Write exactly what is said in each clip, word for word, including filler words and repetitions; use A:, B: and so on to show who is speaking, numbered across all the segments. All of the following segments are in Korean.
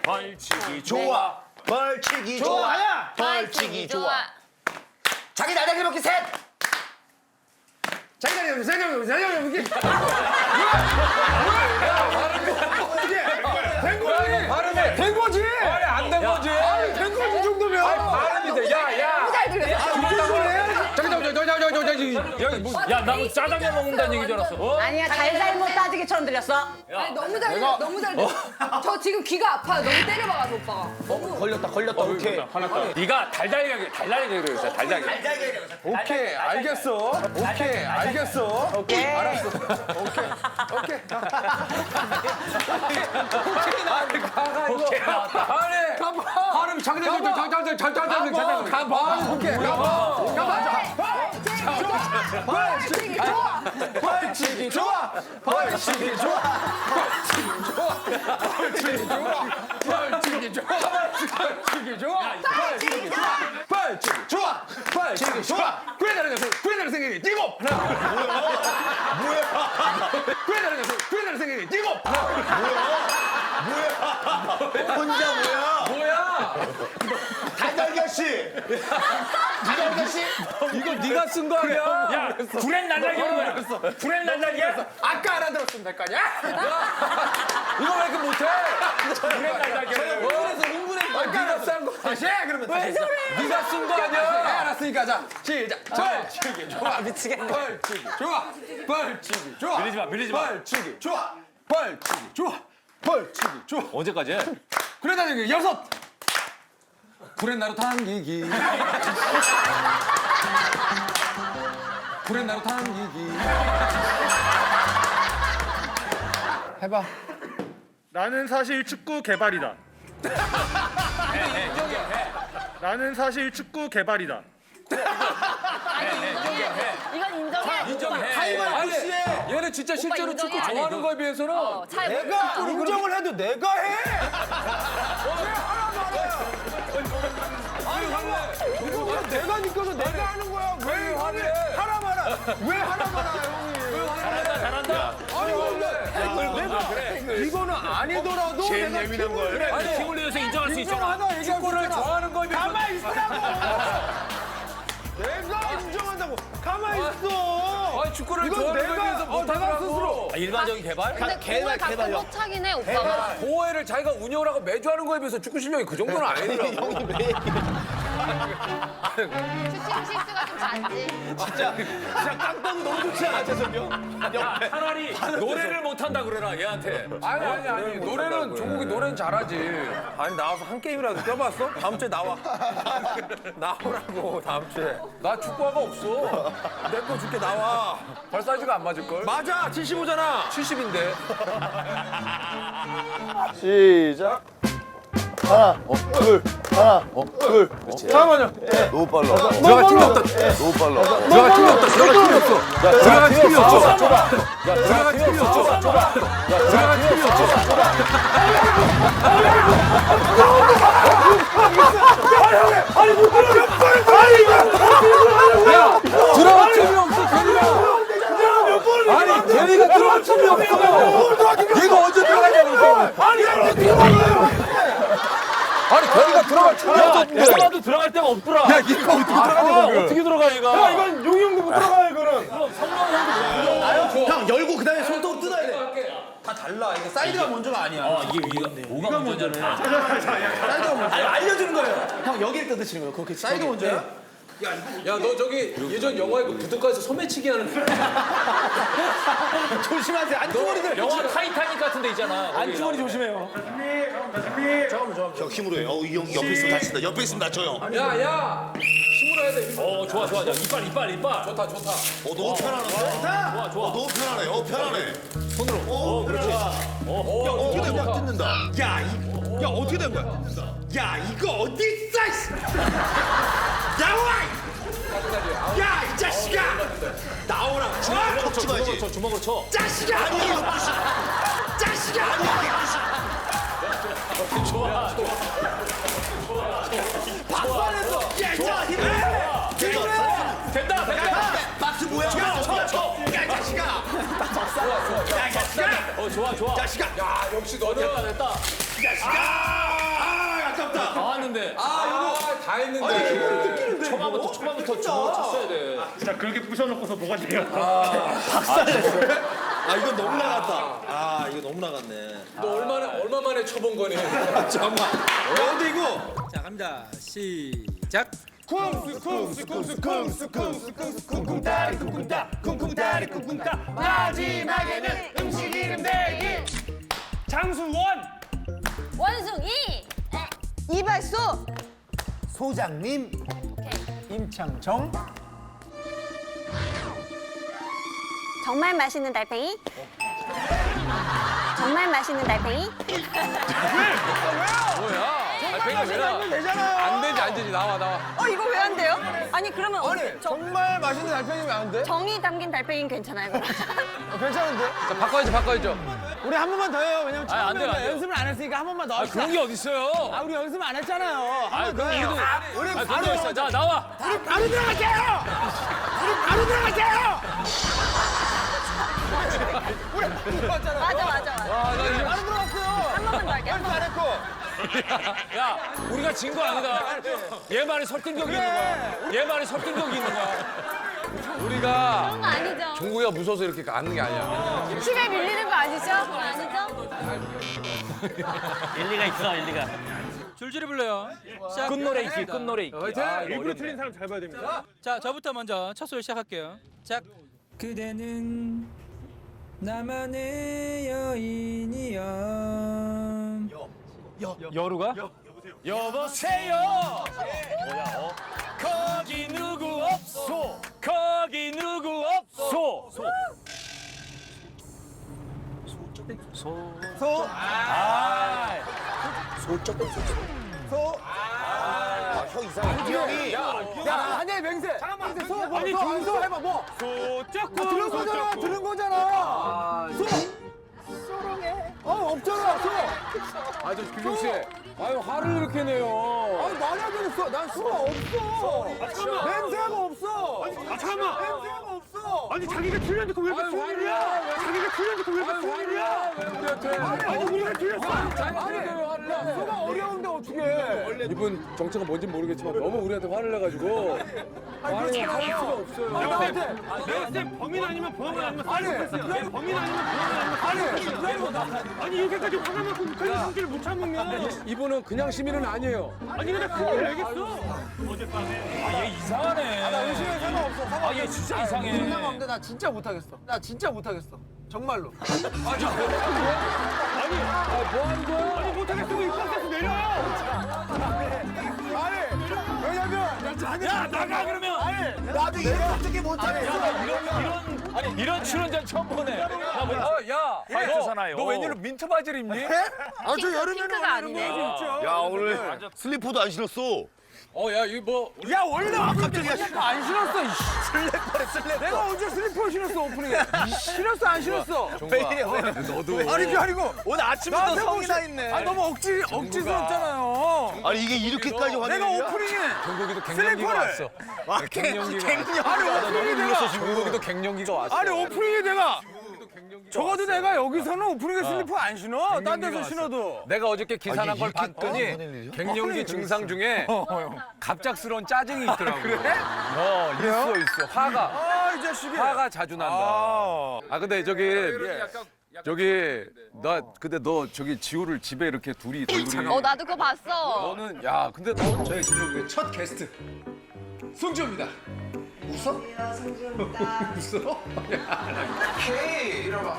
A: 벌칙이 좋아.
B: 벌칙이
C: 좋아.
B: 좋아.
C: 아야.
B: 벌칙이 좋아. 자기 날다리 먹기 셋.
C: 자기 자리 자기 자리 자기 자리 이게 된 거지.
D: 발음해.
C: 된 거지.
D: 아니 안 된 거지.
C: 아니 된 거지 이 정도면.
D: 발음이 돼. 야 야.
E: 잘 들렸어.
D: 저기 저기 저기 저기 저기 저기 여기 뭐
A: 야, 나 짜장면 먹는다는 얘기 줄 알았어. 어?
E: 아니야 잘잘못 따지기처럼 들렸어.
F: 아니 너무 잘 들려, 너무 잘 들려. 저 지금 귀가 아파요. 너무 때려봐가지고 오빠가.
B: 걸렸다 걸렸다. 오케이.
A: 네가 달달하게 달달하게 그랬어. 달달하게.
D: 오케이 알겠어. 오케이 알겠어. 오케이 알았어. 오케이 오케이. 오케이 가가 이거.
A: 오케이 나왔다.
D: 아니 가봐. 발음 장난감 장난감 장난감 장난감 가봐. 오케이 가봐. 가봐.
F: 벌칙이 좋아.
D: 벌칙이 좋아. 벌칙이 좋아. 벌칙이 좋아. 벌칙이 좋아. 벌칙이 좋아. 벌칙이 좋아. 벌칙이 좋아. 벌칙이 좋아. 구해달라는 것은 구해달라는 생각이 뛰고 하나. 뭐야? 구해달라는 것은 구해달라는 생각이 뛰고
B: 혼자 뭐야?
D: 뭐야?
B: 달달걀 씨. 달달걀 씨.
D: 이거 네가 쓴 거 아니야?
A: 야, 구렛 날라기로 그랬어. 구렛 날라기야?
D: 아까 알아들었으면 될 거 아니야? 이거 왜 이렇게 못해?
A: 구렛 날라기야.
D: 그래서 흥분해. 아까 알았어 한 거. 다시 해 그러면. 왜 저래? 네가 쓴 거 아니야? 알았으니까 자 시작. 벌칙이 좋아. 미치겠네. 벌칙이 좋아. 벌칙이 좋아.
A: 밀리지 마, 밀리지 마.
D: 벌칙이 좋아. 벌칙이 좋아. 벌칙이 좋아.
A: 언제까지 해?
D: 그러다 여기 여섯. 구렛나루 당기기. 구렛나루 당기기. 해봐.
G: 나는 사실 축구 개발이다. 나는 사실 축구 개발이다.
E: 이건 인정해.
D: 인정해.
B: 타이머
D: 아니,
B: 씨에
D: 얘는 진짜 실제로
E: 인정해?
D: 축구 좋아하는 거에 비해서는
E: 어, 잘
B: 내가 인정을 해도 내가 해.
D: 이거
C: 내가 니꺼서 내가 하는 거야. 왜
D: 화를 해?
C: 하라 마라. 왜 하라 마라 형이.
A: 잘한다, 잘한다.
C: 아니 근데 내가 이거는 아니더라도
B: 제일
C: 내가
B: 예민한 거예요.
A: 그래,
C: 아니,
A: 팀을 위해서 인정할 수 있잖아.
C: 인정하다 얘기하고
D: 축구를
C: 있잖아.
D: 좋아하는 거에 비해서
C: 가만히 있으라고. 내가 인정한다고. 가만히 있어.
D: 아니 축구를
C: 이건
D: 좋아하는 거에
C: 내가-
D: 비해서
C: 어, 내가
D: 못하더라고.
C: 스스로.
A: 아, 일반적인 개발?
E: 근데
B: 개발,
E: 공을 갖고
B: 개발요.
E: 못 차긴 해 오빠가.
D: 보호회를 자기가 운영을 하고 매주 하는 거에 비해서 축구 실력이 그 정도는 아니더라고.
E: 슈팅 실수가 좀 잦지.
B: 진짜 진짜 깡따구 너무 좋지 않아 재석이 형? 옆에.
A: 차라리 노래를 못한다 그래라, 얘한테.
D: 아니 아니 아니 노래는 종국이 노래는 잘하지. 아니 나와서 한 게임이라도 뛰어봤어? 다음 주에 나와. 나오라고 다음 주에. 나 축구화가 없어. 내 거 줄게 나와. 발 사이즈가 안 맞을 걸? 맞아 칠십오잖아. 칠십인데.
H: 시작. 하나, 둘, 하나, 둘.
C: 잠깐만요.
H: 너무 빨라.
D: 들어갈 팀이 없다.
H: 너무 빨라.
D: 들어갈 팀이 없다. 들어갈 팀이 없어. 들어갈 팀이 없어. 들어갈 팀이 없어. 들어갈 팀이 없어. 야, 들어갈 팀이 없어, 걔네가. 아니, 걔네가 들어갈 팀이 없어. 얘가 언제 들어가냐고. 아니, 아니, 걔네가 들어갈 팀이 없었는데.
A: 내가도 들어갈 데가 없더라.
D: 야, 얘가 어떻게 들어가냐고.
A: 어떻게 들어가, 얘가?
C: 이건 용이 형도 못 들어가요 이거는.
B: 형 열고 그다음에 손톱 뜯어야 돼. 다 달라. 이게 사이드가 먼저가 아니야.
A: 어, 이게, 이게 뭐가 문제잖아.
B: 사이드가 먼저. 아니 알려주는 거예요. 형 여기를 뜯으시는 거예요. 그렇게 사이드 먼저야?
D: 야, 너 저기 예전 영화에 그 부둣가에서 소매치기 하는 거.
B: 조심하세요. 안주머니들.
A: 영화 타이타닉 같은 데 있잖아.
C: 안주머니 조심해요.
B: 형 힘으로 해. 어이 형 옆에 있으면 다친다. 옆에 있으면 다쳐요.
D: 야, 야! 힘으로 해야 돼.
A: 어, 좋아, 좋아. 자, 이빨, 이빨, 이빨.
D: 좋다, 좋다.
B: 어 너무 편안하다.
A: 좋아, 좋아.
B: 어 너무 편안해. 어 편안해. 손으로. 어 그렇지.
D: 어, 야,
B: 어떻게 된 거야?
D: 뜯는다.
B: 야, 이, 야 어떻게 된 거야? 야 이거 어디 있어? 이씨. 나와! 야 이 자식아! 나오라. 주먹으로 쳐, 주먹으로 쳐,
A: 주먹으로 쳐.
B: 자식아! 아니 이게 무슨? 자식아! 아니 이게 무슨?
A: 좋아, 좋아.
B: 박살냈어. 야 이자 힘을. 힘을.
A: 된다, 된다.
B: 박수 뭐야? 야 쳐, 쳐. 야 이 자식아! 야 이 자식아!
A: 어, 좋아, 좋아.
B: 자식아!
D: 야, 역시 너는
A: 됐다, 됐다.
B: 자식아!
A: 하는데.
D: 아 이거 다 했는데.
A: 초반부터 초반부터 주먹을 쳤어야 돼.
G: 진짜 그렇게 부셔놓고서 뭐가 돼요?
B: 아 이거 너무 나갔다. 아 이거 너무 나갔네.
D: 너 얼마나 얼마 만에 쳐본 거니?
B: 잠깐만. 야 근데 이거.
I: 자 갑니다. 시작.
C: 쿵스 쿵스 쿵스 쿵스 쿵스 쿵스 쿵쿵따리 쿵쿵따 쿵쿵따리 쿵쿵따 마지막에는 음식 이름 대기 장수원
F: 원숭이.
E: 이발소.
C: 소장님 임창정
E: 정말 맛있는 달팽이. 정말 맛있는 달팽이.
D: 뭐야? 달팽이가 왜 나와?
C: 되잖아요.
D: 안 되지 안 되지 나와 나와.
E: 어 이거 왜 안 돼요? 아니 그러면
C: 아니 정말 맛있는 달팽이면 안 돼?
E: 정이 담긴 달팽이는 괜찮아요. 그럼.
C: 어, 괜찮은데?
D: 자 바꿔야죠 바꿔야죠.
C: 우리 한 번만 더 해요. 왜냐면
A: 아니, 안 돼요, 안 돼요.
C: 연습을 안 했으니까 한 번만 더
A: 아
C: 합시다.
A: 그런 게 어딨어요?
C: 아 우리 연습 안 했잖아요.
A: 아
C: 한 번 더
A: 그럼
C: 해요.
A: 우리도.
C: 우리
A: 아
C: 바로
A: 그런 거 있어. 자 나와.
C: 우리 바로 들어갈게요. 우리 바로 들어갈게요. 우리 들어갔잖아.
E: 맞아 맞아 맞아.
D: 아나 이거
C: 바로 들어갔어요.
E: 한 번만 더 할게요. 한 번만.
C: 안 했고.
A: 야 우리가 진 거 아니다. 얘 말에 설득력이 있는 거야. 얘 말에 설득력이 있는 거야.
D: 우리가
F: 그런 거 아니죠.
D: 종국이가 무서워서 이렇게 가는 게 아니야.
F: 힘에 밀리는 거 아니죠? 아니죠?
A: 일리가 있어 일리가.
I: 줄줄이 불러요. 시작.
A: 끝노래 있기 끝노래 있기.
D: 화이팅!
A: 아, 이거
C: 일부러
A: 어렵네.
C: 틀린 사람 잘 봐야 됩니다.
I: 자 저부터 먼저 첫 소절 시작할게요. 시작. 그대는 나만의 여인이여.
A: 여루가? 여보세요. 뭐야? 어? 거기 누구 없소? 거기 누구 없소? 소. 소.
C: 소.
A: 아.
C: 소. 아, 형 이상해. 이 형이. 야, 한예 맹세. 잠깐만. 소, 뭐, 아니, 소 해봐, 뭐.
A: 소쩍고.
C: 들은 거잖아, 들은 거잖아. 소. 소롱해. 어, 없잖아, 소.
D: 아저 규경 씨. 아유 화를 이렇게 내요.
C: 아니, 말이 안 되겠어. 난 수가 없어. 맹세가 없어.
G: 아 잠깐만.
C: 맹세가 없어.
G: 아니 자기가 틀렸는데 왜 이렇게 소리야? 자기가 틀렸는데 왜 이렇게 소리야?
D: 왜 우리한테?
G: 아니 우리가 틀렸어.
C: 수가 어려운데 어떻게?
D: 이분 정체가 뭔지 모르겠지만 너무 우리한테 화를 내가지고 아니 할 수가 없어요.
C: 나한테.
G: 내가 쌤 범인 아니면 보험은 아니면
C: 아니,
G: 사이코패스야. 범인 아니면 보험은 아니면 사이코패스야. 아니 이렇게까지 화가 나고 그런 성질을 못 참으면
D: 이분은 그냥 시민은 아니에요.
G: 아니 근데 그걸 내겠어? 어젯밤에
A: 아, 얘 이상하네.
C: 나 의심에 상관없어.
A: 아, 얘 진짜 이상해.
C: 의심 상관없는데 나 진짜 못하겠어. 나 진짜 못하겠어. 정말로.
G: 아니 못하겠으면 이 버스에서 내려요.
C: 아니, 왜냐면
A: 야, 나가 그러면.
C: 아니, 나도 내가 어떻게 못하겠어.
A: 이런 이런 아니 이런 출연자 처음 보네. 야, 뭐,
D: 어, 야,
A: 파이트잖아요.
D: 너 웬일로 민트 바지를 입니?
C: 아, 저 여름에는
F: 핑크가 아니네.
H: 야 오늘 슬리퍼도 안 신었어.
D: 어, 야, 이거 뭐
C: 야, 원래 갑자기 안 신었어. 슬리퍼래, 슬리퍼. 내가 언제 슬리퍼 신었어, 오프닝에. 신었어, 안 신었어?
D: 왜 이래? 너도
C: 아니, 그게 아니고.
B: 오늘 아침부터 성이 나
C: 아,
B: 있네.
C: 너무 억지, 억지스럽잖아요.
H: 아니 이게 이렇게까지
C: 내가
H: 화내냐?
C: 오프닝에.
D: 종국이도 갱년기가
C: 슬리퍼를.
D: 왔어.
C: 아,
D: 갱년기가
C: 아니, 오프닝에 내가.
D: 종국이도 갱년기가 왔어.
C: 아니, 오프닝에 내가. 적어도 내가 여기서는 오프닝에 슬리퍼 안 신어. 딴 데서 신어도.
D: 내가 어저께 기사
H: 아,
D: 난
H: 이게
D: 걸
H: 이렇게까지
D: 봤더니
H: 화낼 일이야?
D: 갱년기 증상 중에
C: 어,
D: 갑작스러운 짜증이 있더라고. 그래? 어, 있어, 있어. 화가.
C: 아, 이 자식이.
D: 화가 자주 난다.
C: 아.
D: 아 근데 저기 저기 나 근데 너 저기 지호를 집에 이렇게 둘이 둘이
F: 어 나도 그거 봤어.
D: 너는 야 근데 너 저희 지금 첫 게스트 승주입니다. 웃어? 웃어? 헤이 이러봐.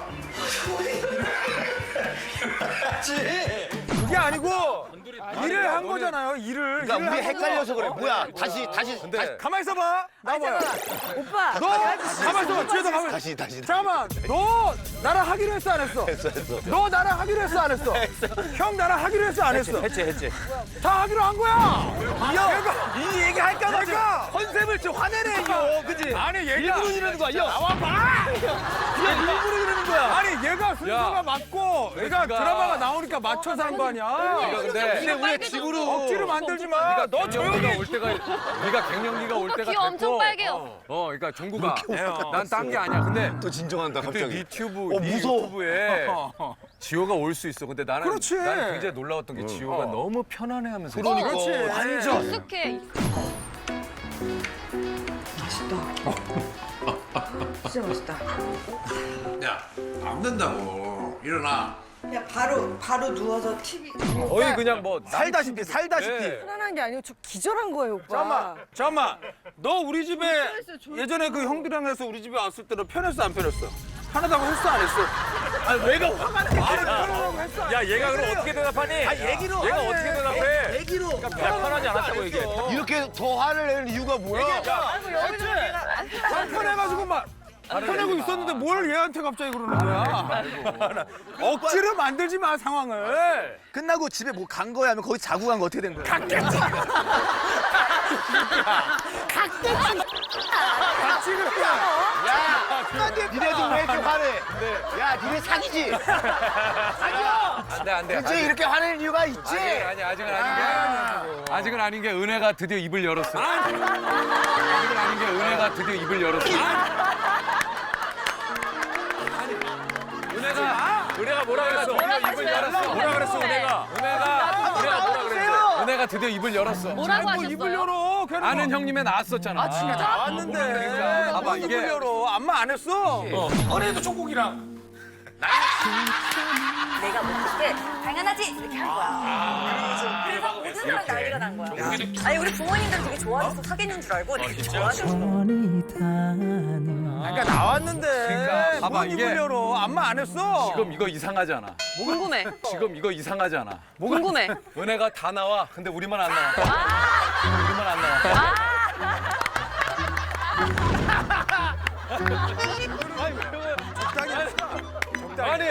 C: 그게 아니고 일을 한 거잖아요. 일을.
H: 그러니까
C: 일을
H: 우리
C: 한
H: 헷갈려서 그래.
C: 거죠.
H: 뭐야? 다시 다시
D: 근데
H: 다시
C: 가만 있어봐. 나봐요.
E: 오빠.
C: 너 가만 있어봐. 뒤에서 가만.
H: 다시 다시.
C: 잠깐만. 너 나랑 하기로 했어 안 했어?
H: 했어 했어.
C: 너 나랑 하기로 했어 안 했어? 형 나랑 하기로 했어 안 했어?
A: 했지 했지.
C: 다 하기로 한 거야. 야, 이 얘기 할까 봐 내가 컨셉을 좀 화내네 이거. 그지? 아니 얘가 일부러 이러는 거야. 야 나와 봐. 그냥 일부러 이러는 거야. 아니 얘가 순서가 맞고 내가 드라마가 나오니까 맞춰서 한 거 아니야.
D: 근데
C: 우리 집으로 억지로 만들지 마. 너 조용히
D: 갱년기가 올 때가 네가 갱년기가 올 때가
F: 귀
D: 됐고
F: 엄청 빨개요.
D: 어 그러니까 종국아 난 딴 게 아니야. 근데
H: 또 진정한다
D: 그때
H: 갑자기.
D: 네 튜브
H: 어,
D: 네
H: 무서워.
D: 유튜브에
C: 지호가 올 수 있어. 근데 나는
B: 그렇지.
C: 나는 굉장히 놀라웠던 게 지호가 너무 편안해하면서.
D: 그러니까.
C: 완전.
F: 익숙해.
E: 진짜 맛있다.
B: 야, 안 된다고. 일어나.
E: 그냥 바로 바로 누워서 티비.
C: 거의 그냥 뭐
B: 살다시피 살다시피.
C: 네.
E: 편안한 게 아니고 저 기절한 거예요, 오빠.
B: 잠깐만, 잠깐만. 너 우리 집에 예전에 그 형들이랑 해서 우리 집에 왔을 때는 편했어 안 편했어? 편하다고 했어 안 했어? 아니 왜가 화가 나? 아니 편하다고 했어. 안
C: 야
B: 했어?
C: 얘가 그럼 어떻게 대답하니?
B: 아 얘기로.
C: 얘가
B: 아니,
C: 어떻게 대답해?
B: 얘기로.
C: 야, 편하지 않았다고 얘기해.
H: 이렇게 더 화를 내는 이유가 뭐야?
B: 편해가지고 막. 편하고 있었는데 뭘 얘한테 갑자기 그러는 거야? 억지로 만들지 마 상황을.
H: 끝나고 집에 뭐 간 거야? 하면 거기 자고 간 거 어떻게 된 거야?
B: 갔겠지. 같이 그래.
H: 니네도 왜 이렇게 화내? 야, 니네 사기지?
C: 안돼 안돼.
H: 굉장히 이렇게 화내는 이유가 있지?
C: 아니 아직은 아닌 게 아직은 아닌 게 은혜가 드디어 입을 열었어. 아직은 아닌 게 은혜가 드디어 입을 열었어. 은혜가 은혜가 뭐라 그랬어? 입을 열었어. 뭐라 그랬어 은혜가? 은혜가 은혜가 뭐라 그랬어? 은혜가 드디어 입을 열었어.
F: 뭐라고 하셨어요?
B: 입을 열어. 걔는
C: 아는 형님에 나왔었잖아.
F: 아 진짜?
B: 나왔는데.
C: 봐봐,
B: 입을
C: 이게-
B: 열어. 안마 안 했어. 어제도 조국이랑.
E: 내가 먹을 때 당연하지 이렇게 한 거야. 그래서 모든 사람 난리가 난 거야. 아니 우리 부모님들 되게 좋아해서 사귀는 줄 알고 되게 좋아하셨어.
B: 그러니까 나왔는데.
C: 그러니까 봐봐,
B: 뭔
C: 이게-
B: 입을 열어. 안마 안 했어.
C: 지금 이거 이상하지 않아?
E: 궁금해.
C: 지금 이거 이상하지 않아?
E: 궁금해.
C: 은혜가 다 나와. 근데 우리만 안 나와. 우리만 안 나와. 아니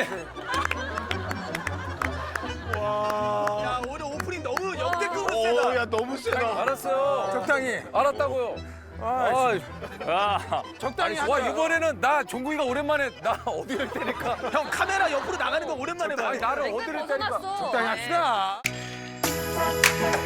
B: 야, 오늘 오프닝 너무 역대급으로
H: 오,
B: 세다.
H: 야, 너무 세다.
C: 알았어요.
B: 적당히.
C: 알았다고요. 아, 야.
B: 적당히
C: 아니, 와
B: 하자.
C: 이번에는 나 종국이가 오랜만에 나 어디를 때릴까?
B: 형 카메라 옆으로 나가는 거 오랜만에 봐.
C: 아니 나를 어디를 때릴까?
F: 벗어났어.
B: 적당히 합시다.